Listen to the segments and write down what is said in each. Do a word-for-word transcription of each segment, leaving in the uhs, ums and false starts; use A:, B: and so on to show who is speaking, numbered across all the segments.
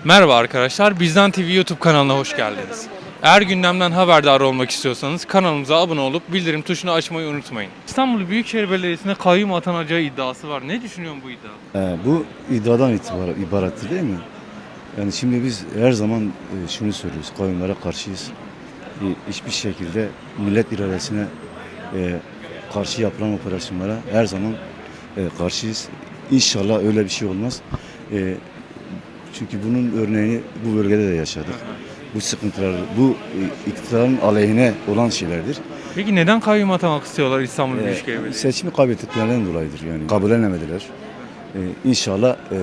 A: Merhaba arkadaşlar, Bizden T V YouTube kanalına hoş geldiniz. Eğer gündemden haberdar olmak istiyorsanız kanalımıza abone olup bildirim tuşunu açmayı unutmayın. İstanbul Büyükşehir Belediyesi'ne kayyum atanacağı iddiası var. Ne düşünüyorsun bu iddia?
B: Ee, bu iddiadan itibar, ibarettir değil mi? Yani şimdi biz her zaman e, şunu söylüyoruz, kayyumlara karşıyız. E, hiçbir şekilde millet iradesine e, karşı yapılan operasyonlara her zaman e, karşıyız. İnşallah öyle bir şey olmaz. E, çünkü bunun örneğini bu bölgede de yaşadık. Bu sıkıntılar, bu e, iktidarın aleyhine olan şeylerdir.
A: Peki neden kayyum atamak istiyorlar İstanbul
B: E,
A: Büyükşehir Belediyesi?
B: seçimi kaybettiklerinden dolayıdır yani. Kabullenemediler. E, İnşallah e,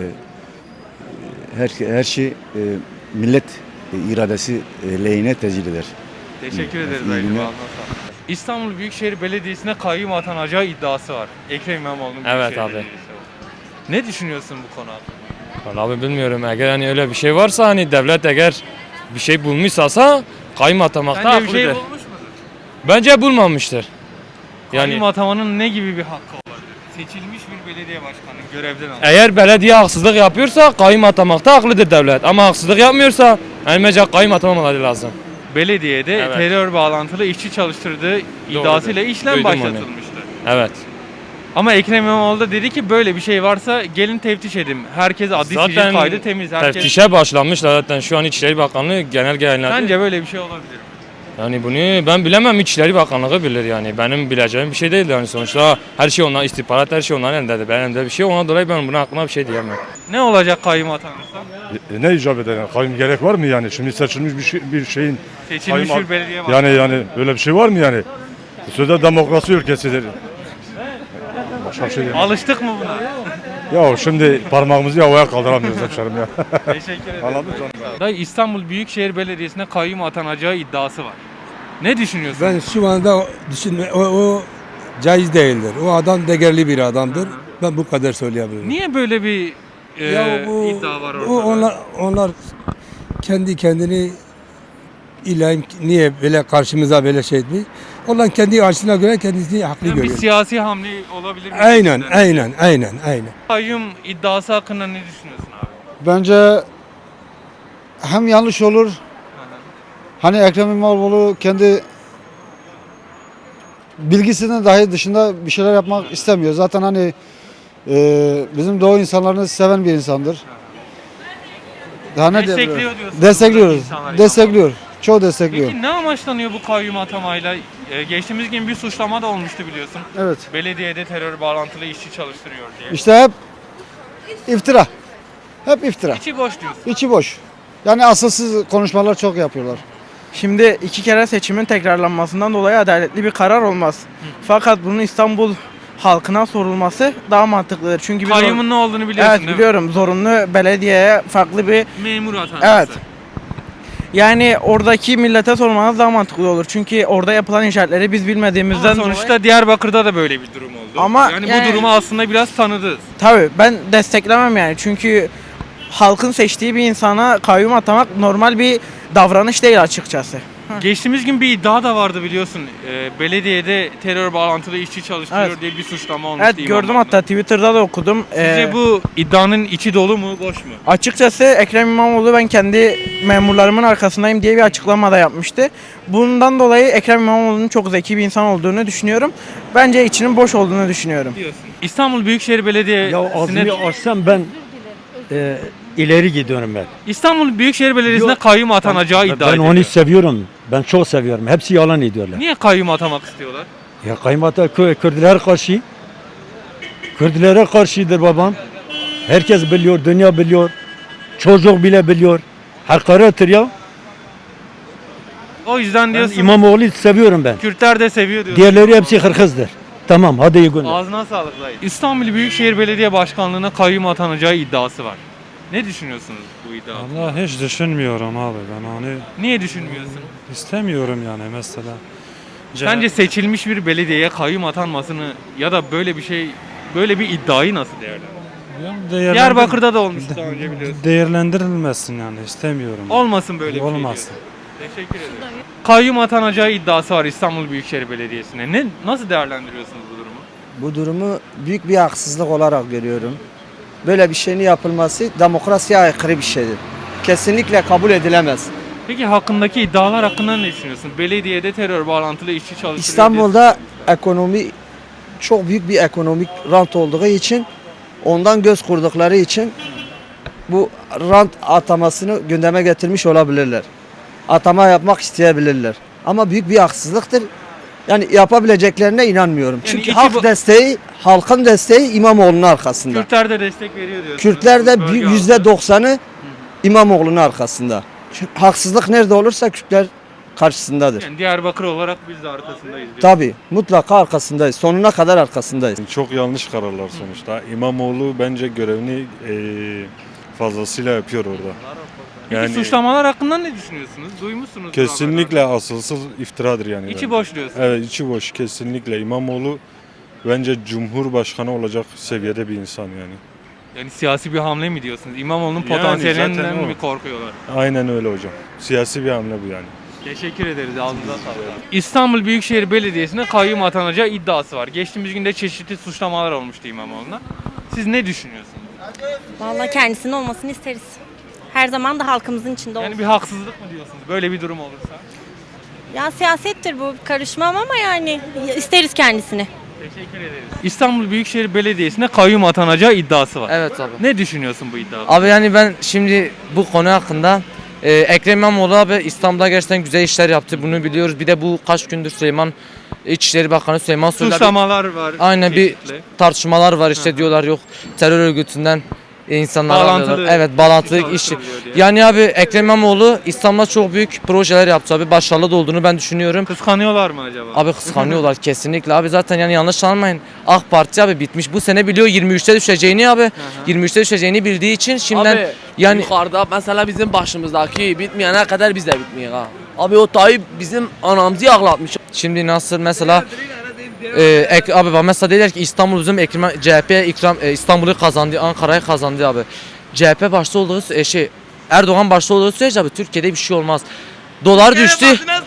B: her, her şey e, millet e, iradesi e, lehine tecil eder.
A: Teşekkür ederiz
B: İyi
A: Aydın
B: günler.
A: Bağlı. İstanbul Büyükşehir Belediyesi'ne kayyum atanacağı iddiası var. Ekrem İmamoğlu'nun
C: Evet
A: Büyükşehir
C: abi.
A: Belediyesi var. Ne düşünüyorsun bu konu hakkında?
C: Vallahi abi bilmiyorum, eğer hani öyle bir şey varsa, hani devlet eğer bir şey bulmuşsa kayyum atamakta
A: Sence bir şey
C: haklıdır.
A: bulmuş mudur?
C: Bence bulmamıştır. Yani
A: Kayyum atamanın ne gibi bir hakkı olabilir? Seçilmiş bir belediye başkanı görevden alır.
C: eğer belediye haksızlık yapıyorsa kayyum atamakta haklıdır devlet. Ama haksızlık yapmıyorsa yani bence kayyum atamamaları lazım.
A: Belediyede
C: Evet.
A: terör bağlantılı işçi çalıştırdığı iddiasıyla işlem
C: Duydum onu.
A: başlatılmıştı.
C: Evet.
A: Ama Ekrem İmamoğlu da dedi ki böyle bir şey varsa gelin teftiş edin. Herkes adli sicil
C: Zaten
A: kaydı temiz. Herkes...
C: teftişe başlanmışlar zaten, şu an İçişleri Bakanlığı genelge yayınladı.
A: Sence böyle bir şey olabilir mi?
C: Yani bunu ben bilemem, İçişleri Bakanlığı bilir yani. Benim bileceğim bir şey değil yani, sonuçta her şey onlar, istihbarat her şey onların elindedir. Benim elimde bir şey, ona dolayı ben buna hakkında bir şey diyemem.
A: Ne olacak kayyum atanırsa?
D: E, ne icap eder? Yani? Kayyum gerek var mı yani? Şimdi seçilmiş bir, şey, bir şeyin
A: Seçilmiş
D: kayyum-
A: bir belediye başkanı.
D: yani yani böyle bir şey var mı yani? Bu sözde demokrasi ülkesidir. Başka bir şey değil.
A: Alıştık mı buna?
D: Ya şimdi parmağımızı havaya kaldıramıyoruz hemşerim ya.
A: Teşekkür ederim.
D: Anladın canım.
A: Dayı, İstanbul Büyükşehir Belediyesi'ne kayyum atanacağı iddiası var. Ne düşünüyorsun?
E: Ben şu anda düşünme o, o caiz değildir. O adam değerli bir adamdır. Ben bu kadar söyleyebilirim.
A: Niye böyle bir e,
E: Ya bu,
A: iddia var ortada?
E: o onlar onlar kendi kendini İlahi niye böyle karşımıza böyle şey etmiş? Onlar kendi açısına göre kendisini haklı
A: Yani bir
E: görüyor.
A: siyasi hamle olabilir mi?
E: Aynen, aynen, aynen, aynen.
A: Kayyum iddiası hakkında ne düşünüyorsun abi?
F: Bence hem yanlış olur. Hani Ekrem İmamoğlu kendi bilgisinin dahi dışında bir şeyler yapmak istemiyor. Zaten hani e, bizim doğu insanlarını seven bir insandır. Daha ne
A: Destekliyor
F: diyebilirim?
A: diyorsun.
F: Destekliyoruz.
A: İnsanlar
F: Destekliyor. Çoğu destekliyor.
A: Peki ne amaçlanıyor bu kayyum atamayla? Ee, geçtiğimiz gün bir suçlama da olmuştu biliyorsun.
F: Evet.
A: Belediyede terör bağlantılı işçi çalıştırıyor diye.
F: İşte hep iftira. Hep iftira.
A: İçi boş diyorsun.
F: İçi boş. Yani asılsız konuşmalar çok yapıyorlar.
G: Şimdi iki kere seçimin tekrarlanmasından dolayı adaletli bir karar olmaz. Fakat bunun İstanbul halkına sorulması daha mantıklıdır. Çünkü biz
A: Kayyumun ne olduğunu biliyorsun
G: evet
A: değil mi?
G: biliyorum, zorunlu belediyeye farklı bir
A: Memur atanması.
G: evet. Yani oradaki millete sormanız daha mantıklı olur. Çünkü orada yapılan inşaatları biz bilmediğimizden
A: Ama sonuçta
G: dolayı
A: Diyarbakır'da da böyle bir durum oldu.
G: Ama
A: yani,
G: yani-
A: bu durumu aslında biraz tanıdınız.
G: tabii ben desteklemem yani. Çünkü halkın seçtiği bir insana kayyum atamak normal bir davranış değil açıkçası.
A: Geçtiğimiz gün bir iddia da vardı biliyorsun. Ee, belediyede terör bağlantılı işçi çalıştırıyor
G: Evet.
A: diye bir suçlama olmuştu.
G: Evet gördüm,
A: İmamoğlu'na.
G: hatta Twitter'da da okudum.
A: Sizce
G: Ee,
A: bu iddianın içi dolu mu, boş mu?
G: Açıkçası Ekrem İmamoğlu ben kendi memurlarımın arkasındayım diye bir açıklama da yapmıştı. Bundan dolayı Ekrem İmamoğlu'nun çok zeki bir insan olduğunu düşünüyorum. Bence içinin boş olduğunu düşünüyorum.
A: Diyorsun. İstanbul Büyükşehir Belediyesi'ne
H: Ya ağzını açsam ben e, ileri gidiyorum ben.
A: İstanbul Büyükşehir Belediyesi'ne
H: Yok.
A: kayyum atanacağı iddia
H: Ben
A: ediliyor.
H: onu seviyorum. Ben çok seviyorum. Hepsi yalan ediyorlar.
A: Niye kayyum atamak istiyorlar?
H: Ya kaymata Kü- Kürtler karşı. Kürtlere karşıdır babam. Herkes biliyor, dünya biliyor. Çocuk bile biliyor. Hakarettir ya.
A: O yüzden
H: Ben
A: diyorsun
H: İmamoğlu'nu seviyorum ben.
A: Kürtler de seviyor diyorsun.
H: Diğerleri hepsi hırkızdır. Tamam, hadi iyi günler.
A: Ağzına sağlık dayı. İstanbul Büyükşehir Belediye Başkanlığı'na kayyum atanacağı iddiası var. Ne düşünüyorsunuz bu iddia?
I: Vallahi hiç düşünmüyorum abi, ben onu
A: Niye düşünmüyorsun?
I: istemiyorum yani mesela.
A: Sence seçilmiş bir belediyeye kayyum atanmasını ya da böyle bir şey, böyle bir iddiayı nasıl değerlendiriyorsun?
I: değerlendir-
A: Diyarbakır'da da olmuştu daha önce biliyorsun.
I: değerlendirilmesin yani, istemiyorum.
A: Olmasın böyle bir şey.
I: Olmasın.
A: diyor. Teşekkür ederim. Kayyum atanacağı iddiası var İstanbul Büyükşehir Belediyesi'ne. Ne, nasıl değerlendiriyorsunuz bu durumu?
J: Bu durumu büyük bir haksızlık olarak görüyorum. Böyle bir şeyin yapılması demokrasiye aykırı bir şeydir. kesinlikle kabul edilemez.
A: Peki hakkındaki iddialar hakkında ne düşünüyorsun? Belediyede terör bağlantılı işçi çalıştırıyor.
J: İstanbul'da ekonomi çok büyük bir ekonomik rant olduğu için, ondan göz kurdukları için bu rant atamasını gündeme getirmiş olabilirler. Atama yapmak isteyebilirler. Ama büyük bir haksızlıktır. Yani yapabileceklerine inanmıyorum.
A: Yani
J: Çünkü
A: iki
J: halk
A: bu-
J: desteği, halkın desteği İmamoğlu'nun arkasında.
A: Kürtler de destek veriyor diyorsunuz.
J: Kürtler de
A: Bölge
J: bir
A: halkı.
J: yüzde doksanı İmamoğlu'nun arkasında. Çünkü haksızlık nerede olursa Kürtler karşısındadır.
A: Yani Diyarbakır olarak biz de arkasındayız. diyorsun.
J: Tabii mutlaka arkasındayız. Sonuna kadar arkasındayız.
D: Çok yanlış kararlar sonuçta. İmamoğlu bence görevini eee, fazlasıyla yapıyor orada.
A: Peki
D: Yani
A: suçlamalar hakkında ne düşünüyorsunuz? Duymuşsunuz.
D: kesinlikle asılsız iftiradır yani.
A: İçi
D: bence.
A: boş diyorsun.
D: Evet, içi boş kesinlikle. İmamoğlu bence Cumhurbaşkanı olacak seviyede bir insan yani.
A: Yani siyasi bir hamle mi diyorsunuz? İmamoğlu'nun
D: Yani
A: potansiyelinden
D: zaten o.
A: mi korkuyorlar?
D: Aynen öyle hocam. Siyasi bir hamle bu yani.
A: Teşekkür ederiz. Ağzınıza sağlık. İstanbul Büyükşehir Belediyesi'ne kayyum atanacağı iddiası var. Geçtiğimiz günde çeşitli suçlamalar olmuştu İmamoğlu'na. Siz ne düşünüyorsunuz?
K: Vallahi kendisinin olmasını isteriz. Her zaman da halkımızın içinde olsun.
A: Yani bir haksızlık mı diyorsunuz? Böyle bir durum olursa.
K: Ya siyasettir bu, karışmam ama yani isteriz kendisini.
A: Teşekkür ederiz. İstanbul Büyükşehir Belediyesi'ne kayyum atanacağı iddiası var.
C: Evet abi.
A: Ne düşünüyorsun bu iddiada?
C: Abi yani ben şimdi bu konu hakkında e, Ekrem İmamoğlu abi İstanbul'da gerçekten güzel işler yaptı. Bunu biliyoruz. Bir de bu kaç gündür Süleyman İçişleri Bakanı Süleyman Soylu abi-
A: Suçlamalar var.
C: aynen bir
A: çeşitli.
C: tartışmalar var işte diyorlar yok terör örgütünden insanlar
A: Bağlantılı
C: alıyorlar. Evet bağlantılı
A: işçi
C: iş.
A: çalıştırılıyor diye.
C: Yani abi Ekrem İmamoğlu İstanbul'da çok büyük projeler yaptı abi. Başarılı da olduğunu ben düşünüyorum.
A: Kıskanıyorlar mı acaba?
C: Abi kıskanıyorlar kesinlikle. Abi zaten yani yanlış anlamayın. AK Parti abi bitmiş. Bu sene biliyor yirmi üçte düşeceğini abi. yirmi üçte düşeceğini bildiği için şimdiden
L: Abi
C: yani
L: yukarıda mesela bizim başımızdaki bitmeyene kadar biz de bitmiyor ha. Abi o Tayyip bizim anamızı ağlatmış.
C: şimdi nasıl mesela e, ek, abi bak mesela dediler ki İstanbul bizim Ekrem C H P ikram e, İstanbul'u kazandı, Ankara'yı kazandı abi. C H P başta olduğu e, şey Erdoğan başta olduğu sürece abi Türkiye'de bir şey olmaz. Dolar düştü.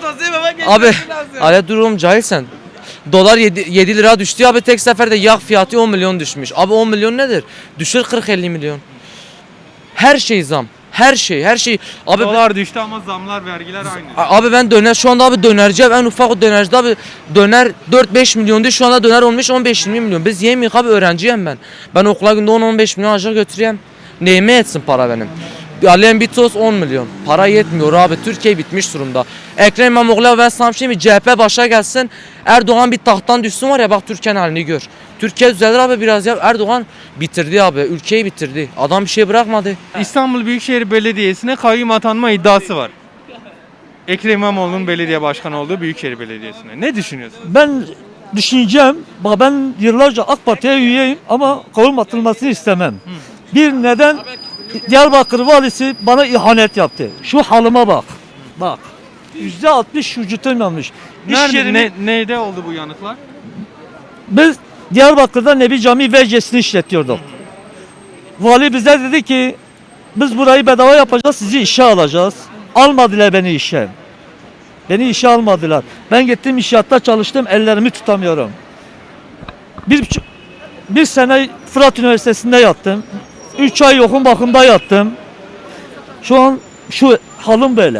C: Abi ale durum cahilsen. Dolar yedi lira düştü abi tek seferde yağ fiyatı on milyon düşmüş. Abi on milyon nedir? Düşür kırk elli milyon. Her şey zam. Her şey, her şey. Abi
A: Dolar düştü ama zamlar, vergiler aynı.
C: Abi ben döner şu anda abi dönerci en ufak dönerci abi döner dört beş milyondu şu anda döner olmuş on beş yirmi milyon. Biz yemiyoruz abi öğrenciyim ben. Ben okula günde on on beş milyon aşağı götüreyim. Neyime etsin para benim? Alem bir toz on milyon. Para yetmiyor abi. Türkiye bitmiş durumda. Ekrem İmamoğlu ben sana bir şey mi? C H P başa gelsin. Erdoğan bir tahttan düşsün var ya bak Türkiye'nin halini gör. Türkiye düzelir abi biraz ya. Erdoğan bitirdi abi. Ülkeyi bitirdi. Adam bir şey bırakmadı.
A: İstanbul Büyükşehir Belediyesi'ne kayyum atanma iddiası var. Ekrem İmamoğlu'nun belediye başkanı olduğu Büyükşehir Belediyesi'ne. Ne düşünüyorsun?
H: Ben düşüneceğim. Bak ben yıllarca AK Parti'ye üyeyim ama kayyum atılmasını istemem. Bir neden Diyarbakır valisi bana ihanet yaptı. Şu halıma bak. Bak. yüzde altmış vücutum yanmış. İş
A: Nerede,
H: yerimi-
A: ne, neyde oldu bu yanıklar?
H: Biz Diyarbakır'da Nebi Camii vercesini işletiyorduk. Vali bize dedi ki biz burayı bedava yapacağız, sizi işe alacağız. Almadılar beni işe. Beni işe almadılar. Ben gittim inşaatta çalıştım, ellerimi tutamıyorum. Bir, buçuk- bir sene Fırat Üniversitesi'nde yattım. Üç ay yokum bakımda yattım. Şu an şu halim böyle.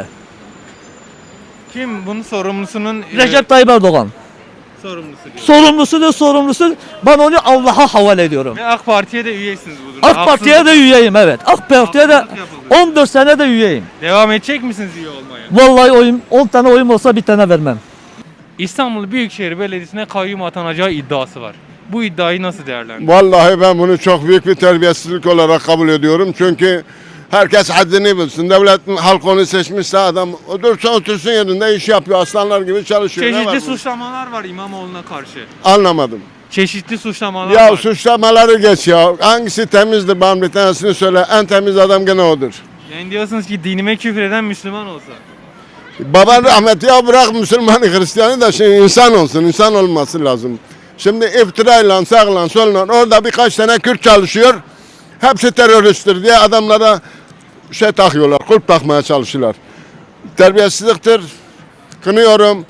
A: Kim bunun sorumlusunun e,
H: Recep Tayyip Erdoğan.
A: sorumlusu diyor.
H: Sorumlusu da sorumlusu. Ben onu Allah'a havale ediyorum.
A: Ve AK Parti'ye de üyesiniz bu durumda.
H: AK Parti'ye de üyeyim evet. AK Parti'ye de
A: Haksızlık yapıldı.
H: on dört sene de üyeyim.
A: Devam edecek misiniz üye olmaya?
H: Vallahi oyum on tane oyum olsa bir tane vermem.
A: İstanbul Büyükşehir Belediyesi'ne kayyum atanacağı iddiası var. Bu iddiayı nasıl değerlendiriyorsunuz?
M: Vallahi ben bunu çok büyük bir terbiyesizlik olarak kabul ediyorum. Çünkü herkes haddini bilsin. Devlet halk onu seçmişse adam otursa otursun yerinde iş yapıyor. Aslanlar gibi çalışıyor. Ne var
A: Çeşitli
M: bunda?
A: suçlamalar var İmamoğlu'na karşı.
M: Anlamadım.
A: Çeşitli suçlamalar
M: Ya
A: var.
M: suçlamaları geç ya. Hangisi temizdir bana bir tanesini söyle. En temiz adam gene odur.
A: Yani diyorsunuz ki dinime küfreden Müslüman olsa.
M: Baban rahmetli ya bırak Müslümanı Hristiyanı da şey insan olsun. İnsan olması lazım. Şimdi iftirayla sağla solla orada birkaç tane Kürt çalışıyor. Hepsi teröristtir diye adamlara şey takıyorlar. Kulp takmaya çalışıyorlar. Terbiyesizliktir. Kınıyorum.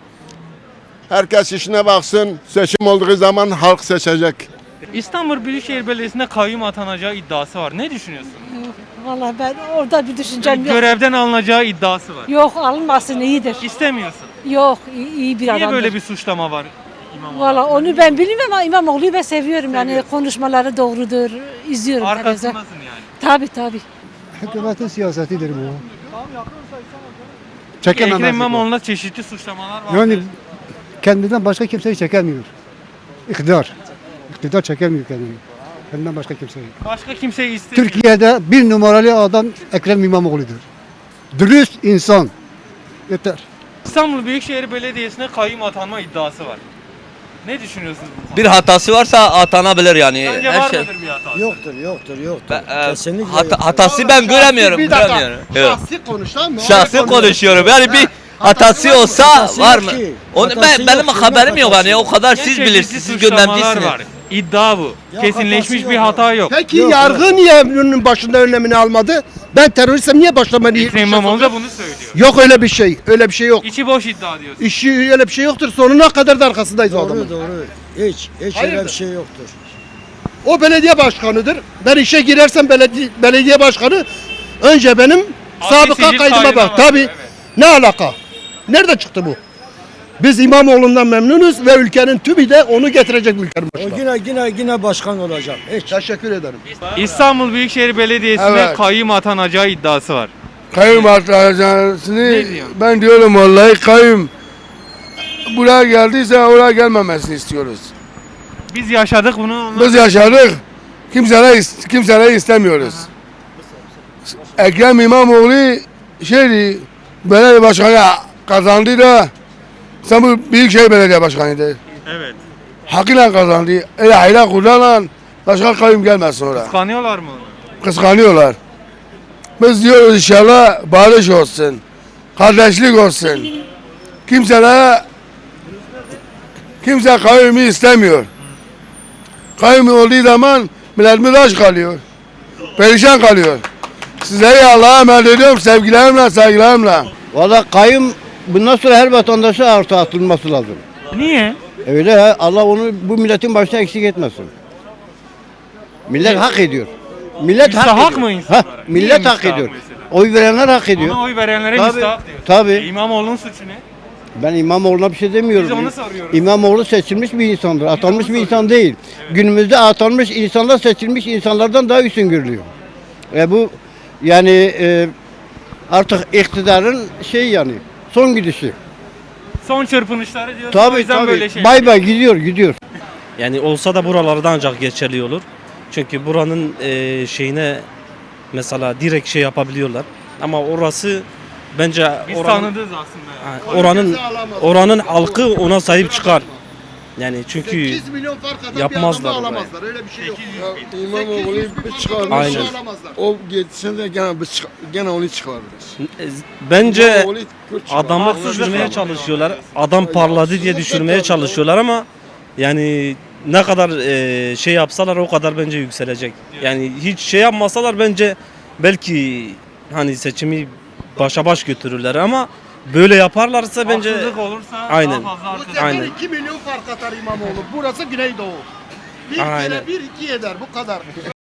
M: Herkes işine baksın. Seçim olduğu zaman halk seçecek.
A: İstanbul Büyükşehir Belediyesi'ne kayyum atanacağı iddiası var. Ne düşünüyorsun?
K: Vallahi ben orada bir düşüncem yok.
A: Görevden alınacağı iddiası var.
K: Yok alınmasın iyidir.
A: İstemiyorsun.
K: Yok iyi, iyi bir
A: Niye
K: adamdır.
A: böyle bir suçlama var İmamoğlu?
K: Valla onu ben bilmiyorum ama İmamoğlu'yu ben seviyorum. Yani konuşmaları doğrudur. İzliyorum. televizyon.
A: Arkasındasın yani.
K: Tabii tabii.
F: Hükümetin siyasetidir bu.
A: Ekrem İmamoğlu'na çeşitli suçlamalar var.
F: Yani kendinden başka kimseyi çekemiyor. İktidar. İktidar çekemiyor kendini. Kendinden başka kimseyi.
A: Başka kimseyi istemiyor.
F: Türkiye'de bir numaralı adam Ekrem İmamoğlu'dur. Dürüst insan. Yeter.
A: İstanbul Büyükşehir Belediyesi'ne kayyum atanma iddiası var. Ne düşünüyorsunuz bu konuda?
L: Bir hatası varsa atanabilir yani.
A: Bence var mıdır bir hatası?
J: Yoktur, yoktur, yoktur.
L: Ben, e,
J: Kesinlikle
L: hata-
J: yoktur.
L: hatası ben göremiyorum.
F: Bir dakika.
L: göremiyorum. Evet.
F: Şahsi konuş tamam mı?
L: Şahsi konuşuyorum. Yani bir hatası olsa
J: Hatası
L: var
J: yok
L: mı?
J: ki.
L: Onu
J: Hatası
L: ben benim
J: yok,
L: haberim yok
J: hatası
L: yani. O
J: yok.
L: kadar
A: Ne
L: siz
A: çeşitli
L: bilirsiniz. Siz
A: suçlamalar
L: göndermişsiniz.
A: var. İddia bu.
J: Ya
A: Kesinleşmiş
J: hatası
A: bir
J: yok
A: hata yok.
F: Peki
J: Yok,
F: yargı niye bunun başında önlemini almadı? Ben teröristim niye başlamayı?
A: Ekrem İmamoğlu da bunu söylüyor.
F: Yok öyle bir şey. Öyle bir şey yok.
A: İçi boş iddia diyorsun.
F: İşi öyle bir şey yoktur. Sonuna kadar da arkasındayız o adamın.
J: Doğru, doğru. Hiç, hiç
F: Hayırdır?
J: öyle bir şey yoktur.
F: O belediye başkanıdır. Ben işe girersem belediye, belediye başkanı önce benim
A: Adli
F: sabıka
A: sicil
F: kaydıma
A: kaydı
F: bak.
A: var,
F: Tabii.
A: evet.
F: Ne alaka? Nerede çıktı bu? Biz İmamoğlu'ndan memnunuz ve ülkenin tümü de onu getirecek bu ülkenin
J: O
F: başına.
J: yine yine yine başkan olacak. Hiç.
F: Teşekkür ederim.
A: İstanbul Büyükşehir Belediyesi'ne
D: Evet.
A: kayyum atanacağı iddiası var.
D: Kayyum atacaksını
A: Ne diyorsun?
D: ben diyorum vallahi kayyum buraya geldiyse oraya gelmemesini istiyoruz.
A: Biz yaşadık bunu. onlar-
D: Biz yaşadık. Kimseleri, kimseleri istemiyoruz. Ekrem İmamoğlu şeydi, belediye başkanı kazandı da İstanbul Büyükşehir Belediye Başkanı'ydı.
A: Evet.
D: Hakkıyla kazandı. Öyle hayla kullanan başka kayyum gelmesin oraya.
A: Kıskanıyorlar mı onu?
D: Kıskanıyorlar. Biz diyoruz inşallah barış olsun. Kardeşlik olsun. Kimselere kimse kayyumu istemiyor. Kayyum olduğu zaman milletimiz aç kalıyor. Perişan kalıyor. Sizleri Allah'a emanet ediyorum sevgilerimle, saygılarımla.
J: Valla kayyum bundan sonra her vatandaşa artı atılması lazım.
A: Niye?
J: Öyle ha, Allah onu bu milletin başına eksik etmesin. Millet hak ediyor. Millet hak,
A: Müstahak
J: ediyor.
A: mı
J: Ha,
A: insanlara?
J: millet
A: Niye
J: hak
A: müstahak
J: ediyor.
A: mesela?
J: Oy verenler hak ediyor.
A: Ona oy verenlere
J: Tabii,
A: müstahak diyor.
J: tabii.
A: E, İmamoğlu'nun suçu ne?
J: Ben İmamoğlu'na bir şey demiyorum.
A: Biz onu soruyoruz.
J: İmamoğlu seçilmiş bir insandır. Atanmış
A: onu
J: bir insan değil. Günümüzde atanmış insanlar seçilmiş insanlardan daha üstün görülüyor. E bu yani e, artık iktidarın şey yani son gidişi.
A: Son çırpınışları diyorsun. o
J: Tabii
A: yüzden böyle
J: tabii.
A: şey.
J: Bay bay gidiyor gidiyor.
H: Yani olsa da buralarda ancak geçerli olur. Çünkü buranın e, şeyine mesela direkt şey yapabiliyorlar. Ama orası bence
A: Biz
H: oranın,
A: tanıdığız aslında.
H: ha, oranın oranın halkı ona sahip çıkar. Yani çünkü
F: milyon fark atan
H: yapmazlar
F: bir adamı
H: orayı.
F: alamazlar. Öyle bir şey yok.
D: İmamoğlu'yu bir çıkarmış.
H: Aynen.
F: Alamazlar.
D: O geçse de gene, biz çık- gene onu çıkarırız.
H: e, bence
D: İmamoğlu Kürt çıkar.
H: adamı
A: Haksızlık
H: düşürmeye
A: var.
H: çalışıyorlar. Adam parladı diye düşürmeye çalışıyorlar ama yani ne kadar e, şey yapsalar o kadar bence yükselecek. Yani hiç şey yapmasalar bence belki hani seçimi başa baş götürürler ama böyle yaparlarsa bence
A: Haksızlık olursa
H: Aynen.
A: daha fazla artar.
H: Aynen.
F: iki milyon fark atar İmamoğlu. Burası Güneydoğu. Bir
H: Aynen.
F: kere bir iki eder bu kadar.